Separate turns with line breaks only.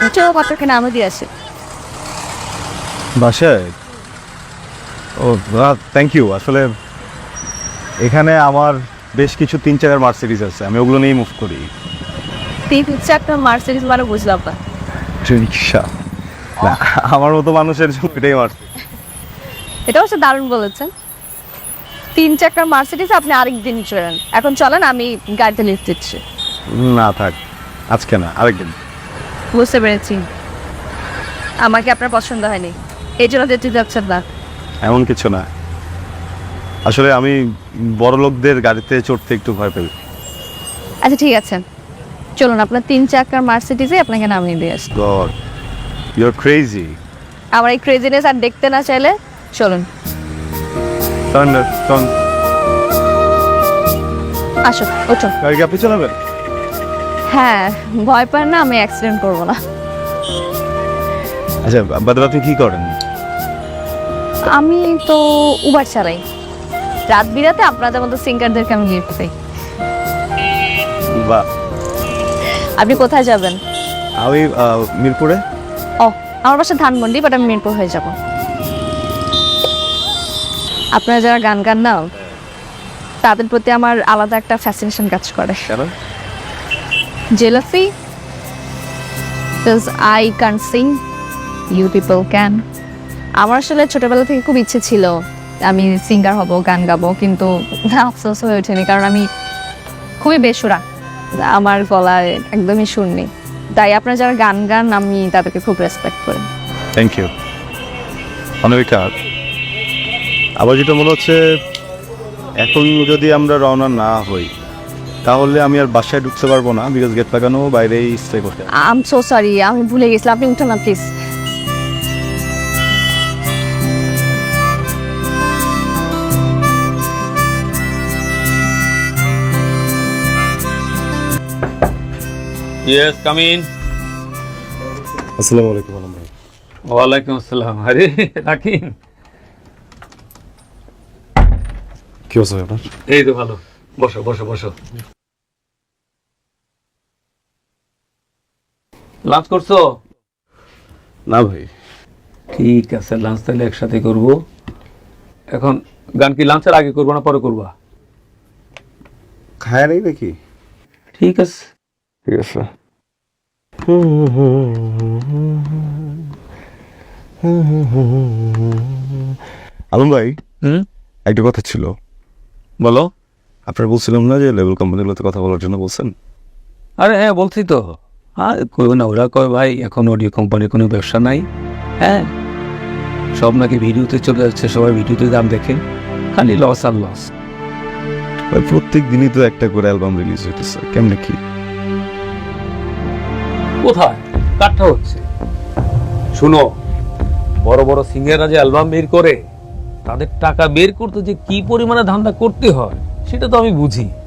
চলো কতক্ষণে আমরা দিয়ে আসি।
বাসায়? ও থ্যাংক ইউ। আসলে এখানে আমার বেশ কিছু 3 চাকার মার্সিডিজ আছে, আমি ওগুলো নিয়েই মুভ করি।
3 চাকার মার্সিডিজ মানে বুঝলাম না।
রিক্সা না, আমার মতো মানুষের জন্য এটাই মার্সিডিজ।
এটা অবশ্য দারুণ বলেছেন। 3 চাকার মার্সিডিজ আপনি আরেকদিন চলেন, এখন চলেন আমি গাড়িতে লিফট দিচ্ছি।
না থাক, আজকে না, আরেকদিন।
বুঝতে পেরেছি, আমাকে আপনার পছন্দ হয়নি, এই জন্য যেতে যাচ্ছেন না।
এমন কিছু না, আসলে আমি বড় লোকদের গাড়িতে চড়তে একটু ভয় পাই।
আচ্ছা ঠিক আছে, চলুন আপনার 3 চাকার মার্সিডিজে আপনাকে নামিয়ে দিয়ে আসি।
God, you are crazy.
আমার এই ক্রেজিনেস আর দেখতে না চাইলে চলুন। আসো, ওঠো।
গাড়ি কি আপনি চালাবেন?
হ্যাঁ, ভয় পান না, আমি অ্যাক্সিডেন্ট করবো না।
আচ্ছা বাদে আপনি কি করেন?
আমি তো উবার চালাই, রাত বিরাতে আপনাদের মতো সিঙ্গারদেরকে আমি লিফট দিই।
বা
আপনি কোথায় যাবেন?
আমি মিরপুরে।
ও, আমার বাসা ধানমন্ডি, বাট আমি মিরপুর হয়ে যাব। আপনারা যারা গান গান না, তাদের প্রতি আমার আলাদা একটা ফ্যাসিনেশন কাজ করে।
কেন?
Jealousy? Because I can't sing, you people can. আমার আসলে ছোটবেলা থেকে খুব ইচ্ছে ছিল আমি সিঙ্গার হব, গান গাবো, কিন্তু আফসোস হয়ে ওঠেনি, কারণ আমি খুবই বেসুরা, আমার গলায় একদমই সুর নেই। তাই আপনারা যারা গান গান, আমি তাদেরকে খুব রেসপেক্ট করি।
Thank you Anamika. আবার যেটা মনে হচ্ছে, এখন যদি আমরা রওনা না হই তাহলে আমি আর বাসায় ঢুকতে পারবো না, বিকজ গেট লাগানো, বাইরেই স্টে করতে।
আই এম সো সরি, আমি ভুলে গেছিলাম, আপনি উঠুন না প্লিজ।
Yes, come in.
আসসালামু আলাইকুম আলম ভাই।
ওয়ালাইকুম আসসালাম। আরে রাকিন,
কি অবস্থা আপনার?
এই তো ভালো, বসো বসো বসো। লাঞ্চ করছো?
না ভাই।
ঠিক আছে, লাঞ্চ তাহলে একসাথে করব। এখন গান কি লাঞ্চের আগে করবো না পরে করবা?
খায় নেই নাকি?
ঠিক আছে
ঠিক আছে। আলম ভাই, একটা কথা ছিল।
বলো।
আপনার বলছিলাম না যে লেভেল কোম্পানিগুলোতে কথা বলার জন্য বলছেন?
আরে হ্যাঁ, বলছি তো। আর কই না, ওরা কয় ভাই এখন অডিও কোম্পানির কোনো ব্যবসা নাই। হ্যাঁ, সব নাকি ভিডিওতে চলে যাচ্ছে, সবাই ভিডিওতে দাম দেখে, খালি লস আর লস।
ভাই প্রত্যেক দিনই তো একটা করে অ্যালবাম রিলিজ হইতেছে, কেমনে কি?
কোথায় কাটটা হচ্ছে? শুনো, বড় বড় সিঙ্গাররা যে অ্যালবাম বের করে, তাদের টাকা বের করতে যে কি পরিমাণে ধান্দা করতে হয় সেটা তো আমি বুঝি।